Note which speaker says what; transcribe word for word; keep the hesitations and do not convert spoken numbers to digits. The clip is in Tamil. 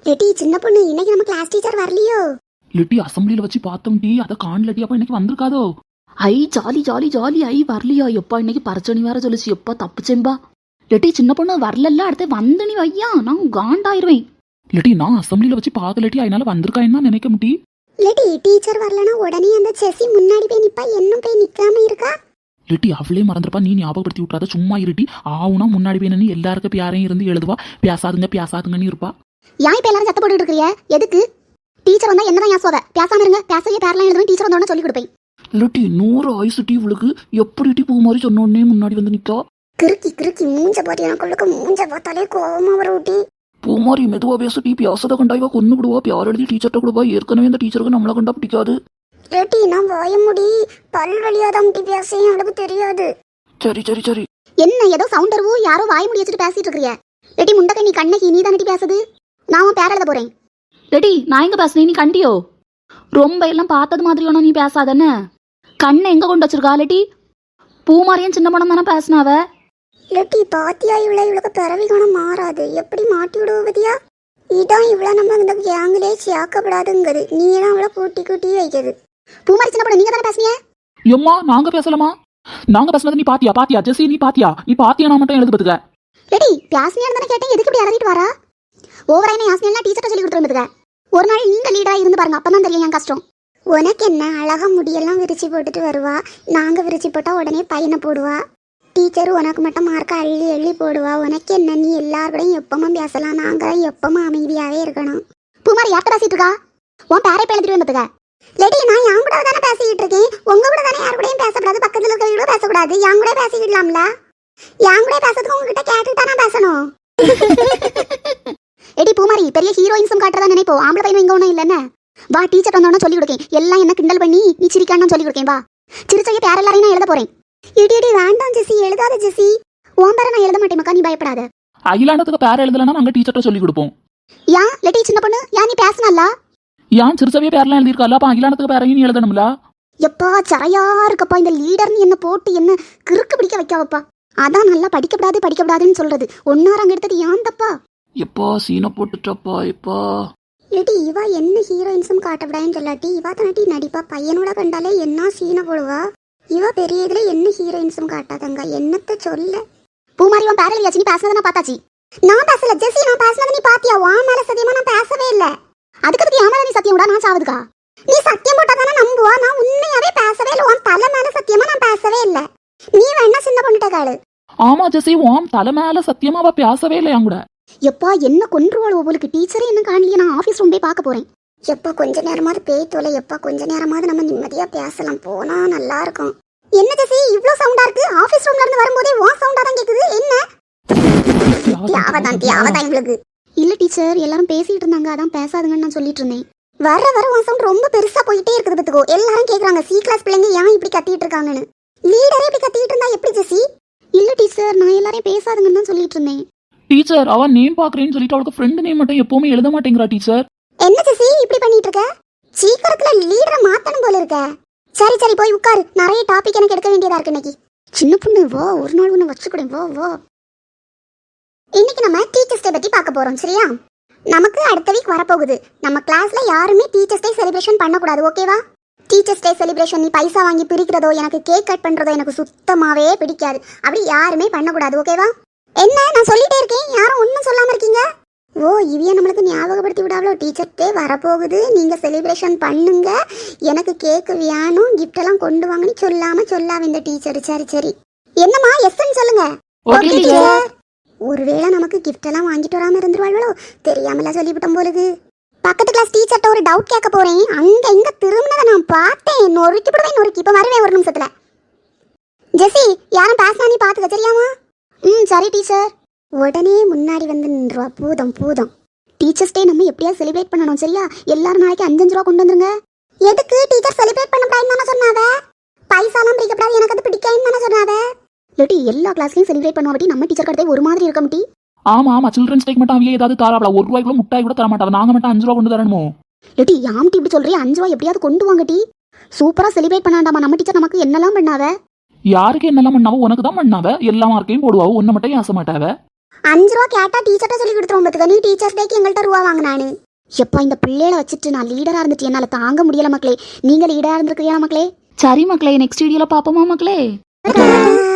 Speaker 1: லெட்டி சின்ன பொண்ணு, இன்னைக்கு நம்ம கிளாஸ் டீச்சர் வரலையோ?
Speaker 2: லெட்டி அசம்பிளியில வச்சு பார்த்தோம் டி, அதை காணலட்டி. அப்ப இன்னைக்கு வந்திருக்காதோ?
Speaker 3: ஐ ஜாலி ஜாலி ஜாலி ஐ வரலையா? எப்பா இன்னைக்கு பரச்சனி வேற சொல்லிச்சு. எப்பா தப்புச்சேன்பா. லெட்டி சின்ன பொண்ணு வரல, அடுத்து வந்து நீ வையா, நான் காண்டாயிருவேன்.
Speaker 2: லெட்டி நான் அசம்பிளியில வச்சு பார்க்க லெட்டி, அதனால வந்திருக்கான்னு நினைக்க முட்டி.
Speaker 1: லெட்டி டீச்சர் வரலனா உடனே அந்த செசி முன்னாடி போய் நிப்பா, இன்னும் போய் நிக்காம இருக்கா?
Speaker 2: லெட்டி அவளே மறந்துருப்பா, நீ ஞாபகப்படுத்தி விட்டாத. சும்மா இருட்டி. ஆவுனா முன்னாடி போய் நின்று எல்லாருக்கும் பேரையும் இருந்து எழுதுவா. பேசாதுங்க பேசாதுங்கன்னு இருப்பா.
Speaker 1: ஏன் இப்ப எல்லாரும் சத்த போட்டு இருக்கிறிய? எதுக்கு? டீச்சர் வந்தா என்னதான் ஏன் சோத? பேசாம இருங்க, பேசவே பேரலாம் எழுதுவேன். டீச்சர் வந்தோட சொல்லி கொடுப்பேன்.
Speaker 2: லெட்டி நூறு ஆயுசு டி இவளுக்கு. எப்படி டி பூ மாதிரி சொன்ன உடனே முன்னாடி வந்து நிக்கா.
Speaker 1: கிறுக்கி கிறுக்கி மூஞ்ச பாத்து எனக்குள்ளுக்கு மூஞ்ச பார்த்தாலே கோவமா வர ஊட்டி.
Speaker 2: பூ மாதிரி மெதுவா பேச டி, பேசத கண்டாய்வா கொன்னு விடுவா. பேர் எழுதி டீச்சர்ட்ட கொடுவா. ஏற்கனவே இந்த டீச்சருக்கு நம்மளை கண்டா பிடிக்காது.
Speaker 1: லெட்டி நான் வாய முடி, பல் வழியாதான் முட்டி பேசையும் அவளுக்கு தெரியாது.
Speaker 2: சரி சரி சரி.
Speaker 1: என்ன ஏதோ சவுண்ட் வருவோ, யாரோ வாய முடி வச்சுட்டு பேசிட்டு இருக்கிறிய? லெட்டி முண்டக்கை நீ கண்ணகி, நீ தானே பேசுது. நான் உன் பேர எழுத போறேன்.
Speaker 3: லெட்டி நான் எங்க பேசுனேன், நீ கண்டியோ? ரொம்ப எல்லாம் பார்த்தது மாதிரி ஒன்றும் நீ பேசாதானே. கண்ணை எங்க கொண்டு வச்சிருக்கா லெட்டி? பூமாரியும் சின்ன படம் தானே பேசினாவ.
Speaker 1: லெட்டி பாத்தியா, இவ்வளோ இவ்வளோக்கு பிறவி குணம் மாறாது. எப்படி மாட்டி விடுவதியா? இதான் இவ்வளோ நம்ம இந்த கேங்கிலே சேர்க்கப்படாதுங்குது. நீ தான் அவளை கூட்டி கூட்டி வைக்கிறது. பூமாரி சின்ன படம் நீங்க தானே பேசுனீங்க.
Speaker 2: எம்மா நாங்க பேசலாமா? நாங்க பேசுனது நீ பாத்தியா? பாத்தியா ஜெசி, நீ பாத்தியா? நீ பாத்தியா? நான் மட்டும் எழுது பத்துக்க.
Speaker 1: லெட்டி பேசுனியான்னு தானே கேட்டேன், எதுக்கு இப்படி அறவிட்டு வரா? ஓவராயின யாசனையெல்லாம் டீச்சர்ட்ட சொல்லி கொடுத்துருந்துக்க. ஒரு நாள் நீங்க லீடரா இருந்து பாருங்க, அப்பதான் தெரியும் என் கஷ்டம். உனக்கு என்ன அழகா முடியெல்லாம் விரிச்சு போட்டுட்டு வருவா. நாங்க விரிச்சு போட்டா உடனே பையனை போடுவா. டீச்சர் உனக்கு மட்டும் மார்க்க அள்ளி அள்ளி போடுவா. உனக்கு என்ன, நீ எல்லாரோடையும் எப்பவும் பேசலாம், நாங்க எப்பவும் அமைதியாவே இருக்கணும். பூமாரி யார்கிட்ட பேசிட்டு இருக்கா? உன் பேரை பேழுத்துட்டு வந்துட்டுக்க. லெடி நான் என் கூட தானே பேசிக்கிட்டு இருக்கேன். உங்க கூட தானே யாரு கூடயும் பேசக்கூடாது, பக்கத்துல இருக்கிறவங்க பேசக்கூடாது. என் கூட பேசிக்கிடலாம்ல. என் கூட பேசுறதுக்கு உங்ககிட்ட கேட்டுட்டு தானே பேசணும். எடி பூமாரி பெரிய ஹீரோயின்ஸும் காட்டுறதா நினைப்போம். ஆம்பளை பையனும் இங்க ஒன்றும் இல்லைன்னு வா. டீச்சர் வந்தோன்னு சொல்லி கொடுக்கேன். எல்லாம் என்ன கிண்டல் பண்ணி நீ சிரிக்கான்னு சொல்லி கொடுக்கேன். வா சிரிச்சைய பேர எல்லாரையும் நான் எழுத போறேன். இடி இடி வேண்டாம் ஜெசி, எழுதாத ஜெசி. உன் பேரை நான் எழுத மாட்டேன் மக்கா, நீ பயப்படாத.
Speaker 2: அகிலாண்டத்துக்கு பேர எழுதலன்னா நாங்க டீச்சர்ட்ட சொல்லி கொடுப்போம்.
Speaker 1: ஏன் லெட்டி சின்ன பொண்ணு, ஏன் நீ பேசணும்ல?
Speaker 2: ஏன் சிறுசவே பேர்லாம் எழுதிருக்கால, அப்ப அகிலாண்டத்துக்கு பேரையும் நீ எழுதணும்ல.
Speaker 1: எப்பா சரையா இருக்கப்பா, இந்த லீடர்னு என்ன போட்டு என்ன கிறுக்கு பிடிக்க வைக்காவப்பா. அதான் நல்லா படிக்கப்படாது படிக்கப்படாதுன்னு சொல்றது. ஒன்னாரங்க எடுத்தது ஏன் தப்பா?
Speaker 2: எப்பா சீனை போட்டுட்டப்பா. எப்பா
Speaker 1: லெட்டி இவா என்ன ஹீரோயின்ஸும் காட்டப்படாதுன்னு சொல்லாட்டி இவா தானட்டி நடிப்பா. பையனோட கண்டாலே என்ன சீனை போடுவா. இவ பெரிய இதுல என்ன ஹீரோயின்ஸும் காட்டாதங்க, என்னத்த சொல்ல. பூமாரி உன் பேர எழுதியாச்சு, நீ பேசுனதை நான் பார்த்தாச்சு. நான் பேசல ஜெசி, நான் பேசுனதை நீ பாத்தியா? உன் மேல சத்தியமா நான் பேசவே இல்ல. அதுக்கு என் மேல நீ சத்தியம் விடா, நான் சாவுதுக்கா. நீ சத்தியம் போட்டா தானே நம்புவா. நான் உண்மையாவே பேசவே இல்லை. உன் தலை மேல சத்தியமா நான் பேசவே இல்லை. நீ வேணா சின்ன பொண்ணுட்ட காடு.
Speaker 2: ஆமா ஜெசி, உன் தலை மேல சத்தியமா அவ பேசவே இல்லை என் கூட.
Speaker 1: எப்பா என்ன கொன்றுவாள் உங்களுக்கு. டீச்சரே என்ன காணலையே, நான் ஆபீஸ் ரூம் போய் பார்க்க போறேன். எப்பா கொஞ்ச நேரமாவது பேய் தோலை. எப்பா கொஞ்ச நேரமாவது நம்ம நிம்மதியா பேசலாம், போனா நல்லா இருக்கும். என்ன ஜெசி இவ்ளோ சவுண்டா இருக்கு? ஆபீஸ் ரூம்ல இருந்து வரும்போதே வான் சவுண்டா தான் கேக்குது. என்ன தியாவதான் தியாவதான் உங்களுக்கு? இல்ல டீச்சர், எல்லாரும் பேசிட்டு இருந்தாங்க, அதான் பேசாதுங்கன்னு நான் சொல்லிட்டு இருந்தேன். வர வர வான் சவுண்ட் ரொம்ப பெருசா போயிட்டே இருக்குது பத்துக்கோ. எல்லாரும் கேக்குறாங்க சி கிளாஸ் பிள்ளைங்க ஏன் இப்படி கத்திட்டு இருக்காங்கன்னு. லீடரே இப்படி கத்திட்டு இருந்தா எப்படி ஜெசி? இல்ல டீச்சர், நான் எல்லாரையும் பேசாதுங்கன்னு தான் சொல்லிட்டு இருந்தேன்.
Speaker 2: டீச்சர் அவ நேம் பாக்குறேன்னு சொல்லிட்டு அவளுக்கு ஃப்ரெண்ட் நேம் மட்டும் எப்பவுமே எழுத மாட்டேங்கிறா டீச்சர்.
Speaker 1: என்ன ஜெசி இப்படி பண்ணிட்டு இருக்க? சீக்கிரத்துல லீடரை மாத்தணும் போல இருக்க. சரி சரி போய் உட்காரு, நிறைய டாபிக் எனக்கு எடுக்க வேண்டியதா இருக்கு இன்னைக்கு. சின்ன பொண்ணு வா, ஒரு நாள் ஒன்று வச்சுக்கூட வா வா. இன்னைக்கு நம்ம டீச்சர்ஸ் டே பத்தி பார்க்க போறோம், சரியா? நமக்கு அடுத்த வீக் வரப்போகுது. நம்ம கிளாஸ்ல யாருமே டீச்சர்ஸ் டே செலிப்ரேஷன் பண்ணக்கூடாது, ஓகேவா? டீச்சர்ஸ் டே செலிப்ரேஷன் நீ பைசா வாங்கி பிரிக்கிறதோ, எனக்கு கேக் கட் பண்றதோ எனக்கு சுத்தமாவே பிடிக்காது. அப்படி யாருமே பண்ணக்கூடாது, ஓகேவா? என்ன நான் சொல்லிட்டே இருக்கேன், யாரும் ஒன்றும் சொல்லாம இருக்கீங்க? ஓ இவைய நம்மளுக்கு ஞாபகப்படுத்தி விடாவளோ, டீச்சர் டே வரப்போகுது, நீங்க செலிப்ரேஷன் பண்ணுங்க, எனக்கு கேக்கு வேணும், கிஃப்ட் எல்லாம் கொண்டு வாங்கன்னு சொல்லாம சொல்லாம இந்த டீச்சர். சரி சரி என்னம்மா எஸ்ன்னு சொல்லுங்க.
Speaker 3: Okay teacher.
Speaker 1: ஒருவேளை நமக்கு கிஃப்ட் எல்லாம் வாங்கிட்டு வராம இருந்துருவாளோ, தெரியாமல சொல்லிவிட்டோம் போலுது. பக்கத்து கிளாஸ் டீச்சர்ட்ட ஒரு டவுட் கேட்க போறேன். அங்க எங்க திரும்பினதை நான் பார்த்தேன். நொறுக்கி விடுவேன் நொறுக்கி. இப்ப வருவேன் ஒரு நிமிஷத்துல. ஜெசி யாரும் பேசினா நீ பாத்துக்க, சரியாமா? ம் சரி டீச்சர். உடனே முன்னாடி வந்து நின்றுவா. பூதம் பூதம். டீச்சர்ஸ் டே நம்ம எப்படியாவது செலிப்ரேட் பண்ணணும், சரியா? எல்லாரும் நாளைக்கு அஞ்சஞ்சு ரூபா கொண்டு வந்துருங்க. எதுக்கு டீச்சர் செலிப்ரேட் பண்ணக்கூடாதுன்னு தானே சொன்னாவ? பைசாலாம் பிடிக்கப்படாது, எனக்கு அது பிடிக்காதுன்னு தானே சொன்னாவ. லெட்டி எல்லா கிளாஸ்லயும் செலிப்ரேட் பண்ணுவாட்டி நம்ம டீச்சர் கடத்தே ஒரு மாதிரி இருக்க முட்டி.
Speaker 2: ஆமா ஆமா, சில்ட்ரன்ஸ் டேக்கு மட்டும் அவையே ஏதாவது தாராவளா? ஒரு ரூபாய்க்குள்ள முட்டாய் கூட தர மாட்டாவா? நாங்க மட்டும் அஞ்சு ரூபா கொண்டு தரணுமோ?
Speaker 1: லெட்டி யாம்டி இப்படி சொல்றீ? அஞ்சு ரூபா எப்படியாவது கொண்டு வாங்க டி. சூப்பரா செலிப்ரேட் பண்ணாண்டாமா. நம்ம டீச்சர் நமக்கு என்னெல்லாம் பண்ணாவ?
Speaker 2: யாருக்கு என்னெல்லாம் பண்ணாவோ உனக்கு தான் பண்ணாவ. எல்லா மார்க்கையும் போடுவாவோ, ஒன்ன மட்டும் ஏச மாட்டாவ.
Speaker 1: அஞ்சு ரூபா கேட்டா டீச்சர்ட்ட சொல்லி கொடுத்துருவோம் பார்த்துக்க. நீ டீச்சர்ஸ் டேக்கு எங்கள்கிட்ட ரூபா வாங்கினானு. எப்பா இந்த பிள்ளைகளை வச்சுட்டு நான் லீடரா இருந்துட்டு என்னால தாங்க முடியல மக்களே. நீங்க லீடரா இருந்திருக்கிறீங்களா மக்களே?
Speaker 3: சரி மக்களே, நெக்ஸ்ட் வீடியோல பாப்போமா மக்களே?